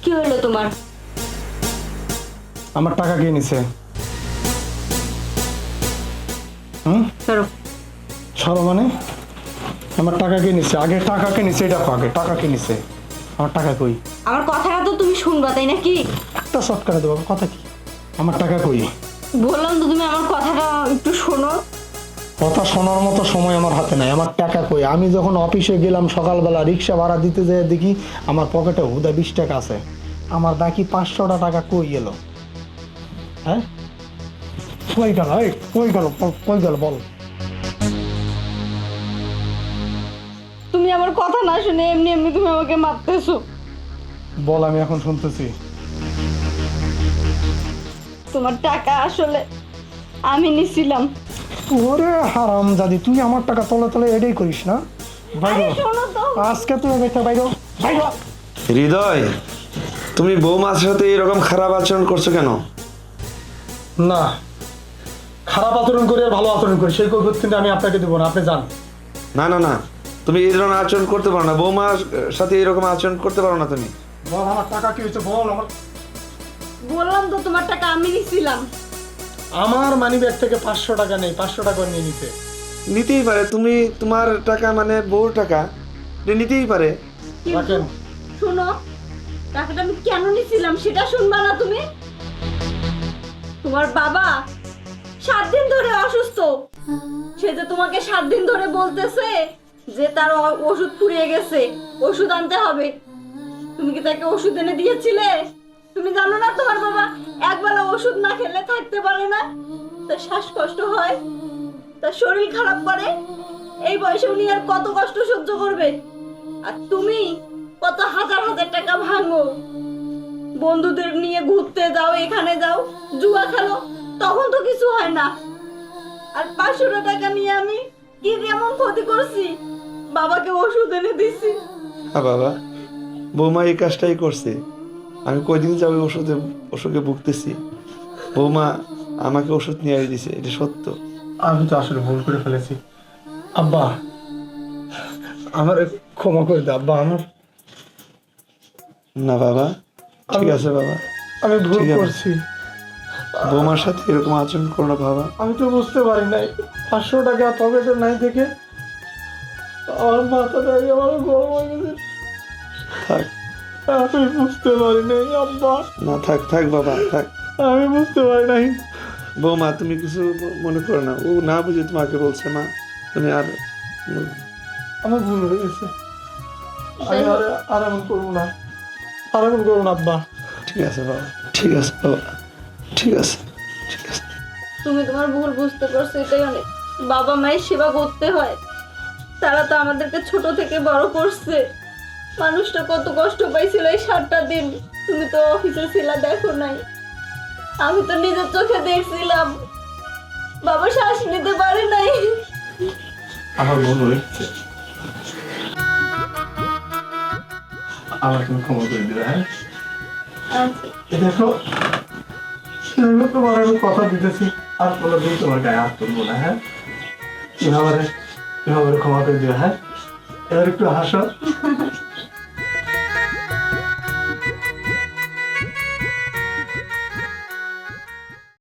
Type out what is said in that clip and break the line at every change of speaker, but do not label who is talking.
কি হলো তোমার?
আমার টাকা কে নিছে?
সরো।
সরো মানে? আমার টাকা কে নিছে? আগে টাকা কে নিছে এটা কো, আগে টাকা কে নিছে? আমার টাকা কই?
আমার কথাটা তো তুমি শুনবা, তাই নাকি?
একটা শর্ট করে দেবো, কথা কি? আমার টাকা কই?
বললাম তো তুমি আমার কথাটা একটু শোনো।
কথা শোনার মতো সময় আমার হাতে নাই। আমার টাকা কই? আমি যখন অফিসে গেলাম সকালবেলা, রিক্সা ভাড়া দিতে যেয়ে দেখি আমার পকেটে হুদা 20 টাকা আছে। আমার বাকি 500টা টাকা কই গেল? হ্যাঁ, কই গেল? এই কই গেল? কই গেল বল?
তুমি আমার কথা না শুনে এমনি এমনি তুমি আমাকে মারতেছো।
বল, আমি এখন শুনতেছি।
তোমার টাকা আসলে আমি নিছিলাম।
ওরে হারাম জাদি, তুই আমার টাকা তলে তলে এটাই করিস না? বাইরে
আরে শোনো তো।
আজকে তুই বাইরে বাইরে বাইরে।
হৃদয়, তুমি বৌমার সাথে এরকম খারাপ আচরণ করছো কেন?
না, খারাপ আচরণ করি আর ভালো আচরণ করি সেই কৈফিয়ত কিন্তু আমি আপনাকে দেবো না, আপনি যান।
না না না, তুমি এই ধরনের আচরণ করতে পারো না। বৌমার সাথে এরকম আচরণ করতে পারো না তুমি।
বল আমার টাকা কি হয়েছে, বল।
বললাম তো তোমার টাকা আমি নিছিলাম।
আমার মানি ব্যাগ থেকে 500 টাকা নেই, 500 টাকা নিয়ে নিতে।
নিতেই পারে, তুমি তোমার টাকা মানে বউর টাকা, এটা নিতেই পারে।
কিন্তু
রাখেন।
শোনো, টাকাটা আমি কেন নিছিলাম সেটা শুনবা না তুমি? তোমার বাবা 7 দিন ধরে অসুস্থ। সে যে তোমাকে 7 দিন ধরে বলতেছে যে তার ওষুধ ফুরিয়ে গেছে, ওষুধ আনতে হবে। তুমি কি তাকে ওষুধ এনে দিয়েছিলে? তুমি জানো না তোমার বাবা একবেলা ওষুধ না খেলে থাকতে পারে না, তার শ্বাসকষ্ট হয়, তার শরীর খারাপ করে। এই বয়সে উনি আর কত কষ্ট সহ্য করবে? আর তুমি কত হাজার হাজার টাকা ভাঙো, বন্ধুদের নিয়ে ঘুরতে যাও, এখানে যাও, জুয়া খেলো, তখন তো কিছু হয় না। আর 500 টাকা নিয়ে আমি কি এমন ক্ষতি করছি? বাবাকে ওষুধ এনে দিছি।
হ্যাঁ বাবা, বৌমা এই কাজটাই করছে। আমি কয়দিন যাবে ওষুধে ভুগতেছি। বৌমা আমাকে ওষুধ নিয়ে দিছে, এটা সত্য।
আমি তো আসলে ভুল করে ফেলেছি আব্বা, আমার ক্ষমা করে দে আব্বা। আমার
না বাবা, ঠিক আছে বাবা,
আমি ভুল
ঠিক আছে।
করছি।
বৌমার সাথে এরকম আচরণ করো না বাবা।
আমি তো বুঝতে পারি নাই 500 টাকা পকেটে নাই থেকে আমার মাথাটা আমার গরম হয়ে গেছে।
থাক,
আমি বুঝতে পারি নাই আব্বা,
না থাক থাক বাবা থাক।
আমি বুঝতে পারি নাই।
বৌমা তুমি কিছু মনে করো না, ও না বুঝে তোমাকে বলছে। মা তুমি আর
আমার ভুল হয়ে গেছে। আমি আর এমন করবো না, আর এমন করবো না আব্বা।
ঠিক আছে বাবা, ঠিক আছে বাবা, ঠিক আছে, ঠিক আছে।
তুমি তোমার ভুল বুঝতে পারছো, এটাই অনেক। বাবা মায়ের সেবা করতে হয়, তারা তো আমাদেরকে ছোট থেকে বড় করছে। মানুষটা কত কষ্ট পাইছিল এই 7টা দিন। তুমি তো অফিসে ছিলা, দেখো নাই? আমি তো নিজের চোখে দেখছিলাম বাবা শ্বাস নিতে পারে নাই।
আমার ভুল হয়েছে, আমার তুমি ক্ষমা করে দিবে। হ্যাঁ, দেখো তোমার আমি কথা দিতেছি আর কোনোদিন তোমার গায়ে হাত তুলবো না। হ্যাঁ, এভাবে ক্ষমা করে দিবে। হ্যাঁ, এবার একটু হাসো।